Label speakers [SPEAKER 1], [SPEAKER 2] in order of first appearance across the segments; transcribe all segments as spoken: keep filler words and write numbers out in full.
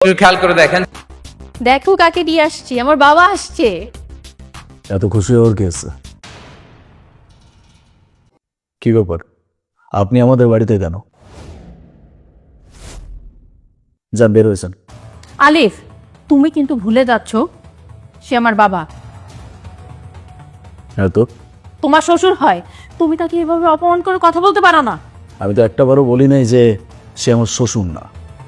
[SPEAKER 1] খেয়াল করে দেখেন।
[SPEAKER 2] দেখো কাকে দিয়ে আসছি, আমার বাবা আসছে।
[SPEAKER 3] এত খুশি হওয়ার কি আছে? কি ব্যাপার, আপনি আমাদের বাড়িতে কেন? যান, বের হয়েছেন।
[SPEAKER 2] আলিফ, তুমি কিন্তু ভুলে যাচ্ছ সে আমার বাবা,
[SPEAKER 3] হ্যাঁ তো,
[SPEAKER 2] তোমার শ্বশুর হয়। তুমি তাকে এভাবে অপমান করে কথা বলতে পারো না।
[SPEAKER 3] আমি তো একটাবারও বলি নাই যে সে আমার শ্বশুর না।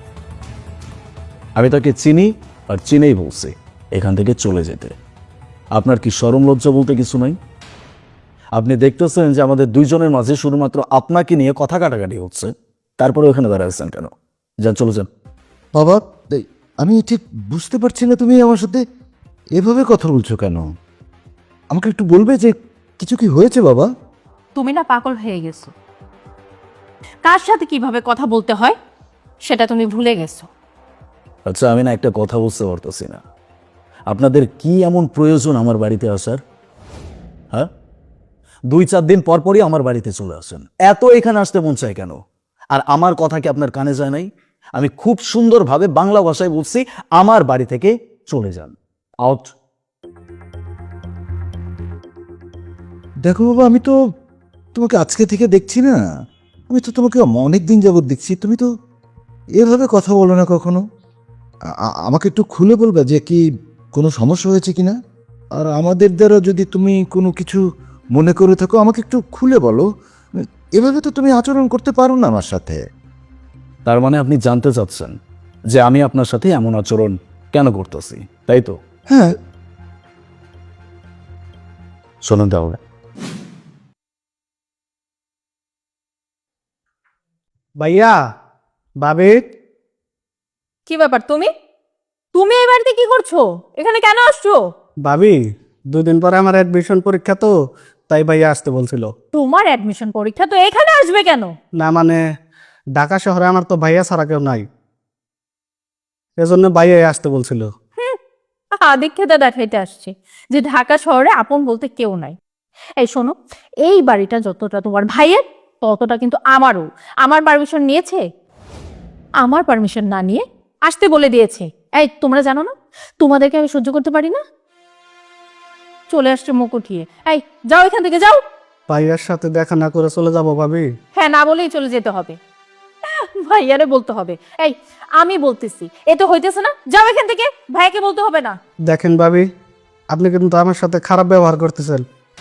[SPEAKER 3] আমি তাকে চিনি, আর চিনেই বলছি এখান থেকে চলে যেতে। আপনার কি শরম লজ্জা বলতে কিছু নাই? আপনি দেখতেছেন যে আমাদের দুইজনের মাঝে শুধুমাত্র আপনাকে নিয়ে কথা কাটাকাটি হচ্ছে, তারপরে ওখানে দাঁড়াচ্ছেন কেন? যান, চলে যান।
[SPEAKER 4] বাবা, এই, আমি ঠিক বুঝতে পারছি না তুমি আমার সাথে এভাবে কথা বলছো কেন। আমাকে একটু বলবে যে কিছু কি হয়েছে বাবা?
[SPEAKER 2] তুমি না পাগল হয়ে গেছো, কার সাথে কিভাবে কথা বলতে হয় সেটা তুমি ভুলে গেছো।
[SPEAKER 3] আচ্ছা, আমি না একটা কথা বুঝতে পারতেছি না, আপনাদের কি এমন প্রয়োজন আমার বাড়িতে আসার? হ্যাঁ, দুই চার দিন পর পরই আমার বাড়িতে চলে আসেন, এত এখানে আসতে মন চায় কেন? আর আমার কথা কি আপনার কানে যায় নাই? আমি খুব সুন্দরভাবে বাংলা ভাষায় বলছি, আমার বাড়ি থেকে চলে যান, আউট।
[SPEAKER 4] দেখো বাবা, আমি তো তোমাকে আজকে থেকে দেখছি না। আমি তো তোমাকে অনেক দিন যাবত দেখছি, তুমি তো এভাবে কথা বলো না কখনো। আ- আ- আমাকে একটু খুলে বলবে যে কি কোনো সমস্যা হয়েছে কিনা। আর আমাদের দ্বারা যদি তুমি কোনো কিছু মনে করে থাকো, আমাকে একটু খুলে বলো। এভাবে তো তুমি আচরণ করতে পারো না আমার সাথে।
[SPEAKER 3] তার মানে আপনি জানতে চাচ্ছেন যে আমি আপনার সাথে এমন আচরণ কেন করতেছি, তাই তো?
[SPEAKER 4] হ্যাঁ,
[SPEAKER 3] শোনেন তাহলে,
[SPEAKER 5] ভাইয়া, ভাবি,
[SPEAKER 2] কি ব্যাপার, তুমি তুমি এই বাড়িতে কি করছো? এখানে কেন আসছো?
[SPEAKER 5] ভাবি, দুদিন পরে আমার অ্যাডমিশন পরীক্ষা, তো তাই ভাইয়া আসতে বলছিল।
[SPEAKER 2] তোমার অ্যাডমিশন পরীক্ষা, তো এখানে আসবে কেন?
[SPEAKER 5] না মানে, ঢাকা শহরে আমার তো ভাইয়া ছাড়া কেউ নাই, এজন্য ভাইয়াই আসতে বলছিল।
[SPEAKER 2] আদিক্ষেতা দেখাইতে আসছে যে ঢাকা শহরে আপন বলতে কেউ নাই। এই শোনো, এই বাড়িটা যতটা তোমার ভাইয়ের, ততটা কিন্তু আমারও। আমার পারমিশন নিয়েছে, আমার পারমিশন না নিয়ে আসতে বলে দিয়েছে। এই তোমরা জানো না তোমাদেরকে আমি সহ্য করতে পারি না? চলে আসছে মুখ উঠিয়ে। এই যাও এখান থেকে, যাও।
[SPEAKER 5] ভাইয়ার সাথে দেখা না করে চলে যাবো ভাবি?
[SPEAKER 2] হ্যাঁ, না বলেই চলে যেতে হবে। আহ, ভাইয়ারে বলতে হবে। এই আমি বলতেছি, এ তো হইতেছে না, যাও এখান থেকে। ভাইয়াকে বলতে হবে না।
[SPEAKER 5] দেখেন ভাবি, আপনি কিন্তু আমার সাথে খারাপ ব্যবহার করতেছেন।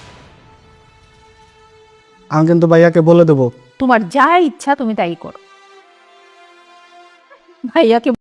[SPEAKER 5] আমি কিন্তু ভাইয়াকে বলে দেবো।
[SPEAKER 2] তোমার যা ইচ্ছা তুমি তাই করো। ভাইয়াকে